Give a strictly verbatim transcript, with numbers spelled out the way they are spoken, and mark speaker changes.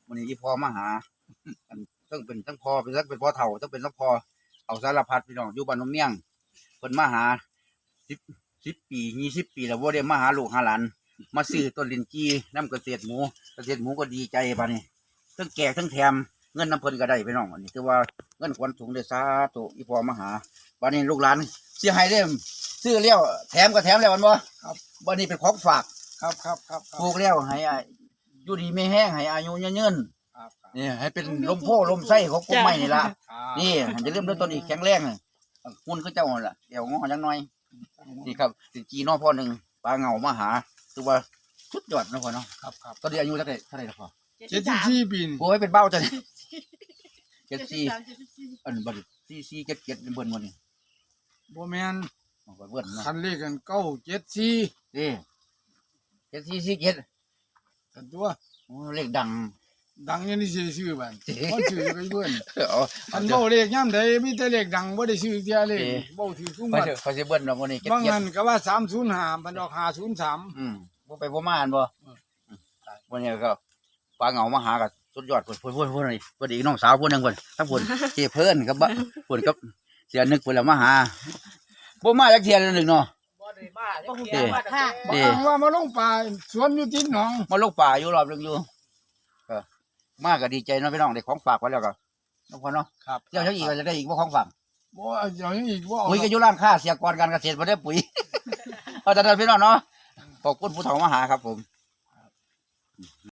Speaker 1: วันนี้ที่พ่อมาหาอันต้องเป็นทั้งพ่อเป็นทั้งเป็นพ่อเฒ่าต้องเป็นทั้งพ่อเอาสารพัดพี่น้องอยู่บ้านนมเมี่ยงเพิ่นมาหาสิบสิบปียี่สิบปีแล้วบ่ได้มาหาลูกหาหลานมาซื้อต้นลิ้นจี่น้ำเกษตรหมูเกษตรหมูก็ดีใจปานนี้ทั้งแก่ทั้งแถมเงินน้ำเพิ่นก็ได้พี่น้องอันนี้คือว่าเงินขวัญถุงได้สาธุอีพ่อมาหาบัดนี้ลูกหลานสิให้ได้ซื้อแล้วแถมก็แถมแล้วมันบ่ครับบัดนี้เป็นของฝากครับครับครับปลูกแล้วให้อยู่ดีไม่แห้งให้อายุยืนๆนี่ให้เป็นลมโพลมไส้ของกลุ่มไม้นี่ล่ะนี่จะเริ่มด้วยต้นอีกแข็งแรงหุ่นก็เจ้าล่ะเดี๋ยวงอจังหน่อยนี่ครับสิจีน้อพ่อหนึ่งปลาเงามาหาคือว่าสุดยอดนะพ่อเนาะครับครับตอนนี้อายุเท่าไหร่เท่าไหร่ละพ่อ
Speaker 2: เจ็ดสิบสี่ปี
Speaker 1: โอ้ยเป็นเบ้าจังเจ็ดสี่อันบัดสี่สี่เจ็ดเจ็ดเป็นเบิ้ลวันนี้
Speaker 2: บ่แม่น
Speaker 1: เบิ้ลเนาะ
Speaker 2: คันเลขกันเก้าเจ็ดสี่
Speaker 1: นี่เจ็ดสี่สี่เจ็ด
Speaker 2: กันตัว
Speaker 1: โอ้เลขดัง
Speaker 2: ดังอยังนี่ซื้อซื้อบ้านบ่ซื้อไปเบิ่น
Speaker 1: อ๋อ
Speaker 2: อันเว้าเลขยามใดมีแต่เลขดังบ่ได้ซื้อเที่ยเลขเว้าถือซุ่มบัด
Speaker 1: เขาสิเบิ้ลเนาะวันนี้
Speaker 2: บางนั้นก็ว่าสามศูนย์ห้ามันออกห้าศูนย์สาม
Speaker 1: อืมบ่ไปบ่มาอันบ่วันนี้ก็ปลาเงามาหากับสุดยอดพุ่นพุ่นพุ่นพุ่นนี่พุ่นอีกน้องสาวพุ่นนึงพุ่นทั้งพุ่นเจ้เพิ่นกับบ่พุ่นกับเสียนึกพุ่นแล้วมาหาบ่มาจักเที่ยนึงเนาะ
Speaker 3: บ่ได้มาจักเที่ยมาค่ะ
Speaker 2: บ่อ้างว่ามาลงป่าสวนอยู่ติดหนอง
Speaker 1: มาลงป่าอยู่รอบนึงอยู่ก็มาก็ดีใจเนาะพี่น้องได้ของฝากไว้แล้วก็น้องพ่อเนาะครับเจ้าจังอีกก็จะได้อีกบ่ของฝาก
Speaker 2: บ่เจ้าอีกบ่
Speaker 1: ปุ๋ยก็อยู่ร้านค้าเสียกรการเกษตรบ่ได้ปุ๋ยเอาแต่นั้นพี่น้องเนาะขอบคุณผู้เฒ่ามาหาครับผม